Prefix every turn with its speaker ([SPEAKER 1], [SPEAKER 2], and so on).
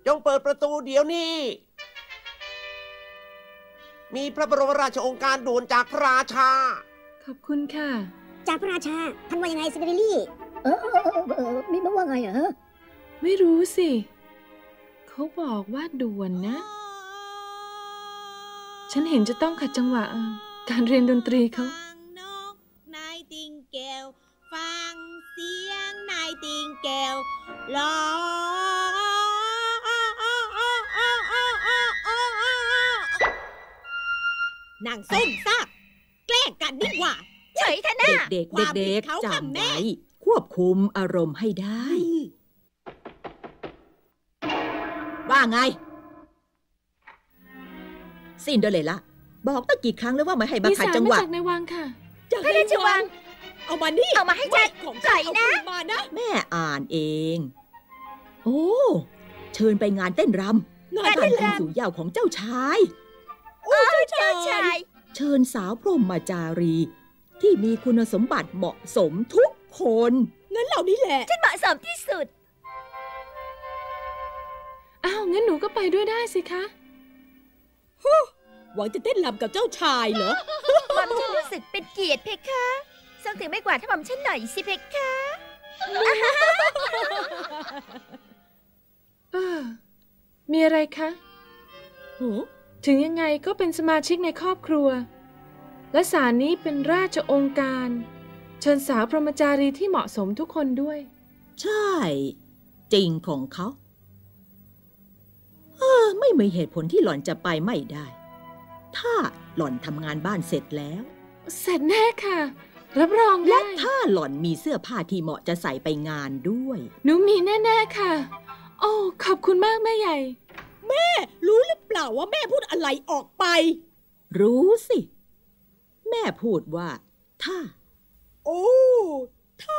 [SPEAKER 1] จงเปิดประตูเดี๋ยวนี้มีพระบรมราชโองการด่วนจากพระราชา
[SPEAKER 2] ขอบคุณค่ะ
[SPEAKER 3] จากพระราชาท่านว่ายังไงซินเดอเรลลี่มีมาว่าไงเหรอ
[SPEAKER 2] ไม่รู้สิเขาบอกว่าด่วนนะฉันเห็นจะต้องขัดจังหวะการเรียนดนตรีเขา
[SPEAKER 4] นกนายติงแก้วฟังเสียงนายติงแก้วร้องนางส้มซากแกล้งกันดีกว่า
[SPEAKER 5] เฉยท่านะเด็กๆจำไว้ควบคุมอารมณ์ให้ได้ว่าไงซินเดอเรลล่าบอกตั้งกี่ครั้งแล้วว่าไม่ให้มาขัดจังหวะ
[SPEAKER 2] มาจากในวังค่ะ
[SPEAKER 4] จากในวังเอามานี่
[SPEAKER 5] เอามาให้ฉัน
[SPEAKER 4] ของใครนะ
[SPEAKER 5] แม่อ่านเองโอ้เชิญไปงานเต้นรำงานแต่งสู่เยาว์ของเจ้าชาย
[SPEAKER 4] เจ้าชาย
[SPEAKER 5] เชิญสาวพรหมจารีที่มีคุณสมบัติเหมาะสมทุกคน
[SPEAKER 4] งั้นเหล่านี้แหละ
[SPEAKER 5] ฉันเหมาะสมที่สุด
[SPEAKER 2] อ้าวงั้นหนูก็ไปด้วยได้สิคะ
[SPEAKER 4] หวังจะเต้นรำกับเจ้าชายเหรอ
[SPEAKER 5] หม่อมฉันรู้สึกเป็นเกียรติเพคะส่งถึงไม่กว่าถ้าหม่อมฉันหน่อยสิเพคะ
[SPEAKER 2] มีอะไรคะถึงยังไงก็เป็นสมาชิกในครอบครัวและศาลนี้เป็นราชองค์การเชิญสาวพรหมจารีที่เหมาะสมทุกคนด้วย
[SPEAKER 5] ใช่จริงของเขาไม่มีเหตุผลที่หล่อนจะไปไม่ได้ถ้าหล่อนทำงานบ้านเสร็จแล้ว
[SPEAKER 2] เสร็จแน่ค่ะรับรองได้
[SPEAKER 5] และถ้าหล่อนมีเสื้อผ้าที่เหมาะจะใส่ไปงานด้วย
[SPEAKER 2] หนูมีแน่ๆค่ะโอ้ขอบคุณมากแม่ใหญ่
[SPEAKER 4] แม่รู้หรือเปล่าว่าแม่พูดอะไรออกไป
[SPEAKER 5] รู้สิแม่พูดว่าถ้า
[SPEAKER 4] โอ้ถ้า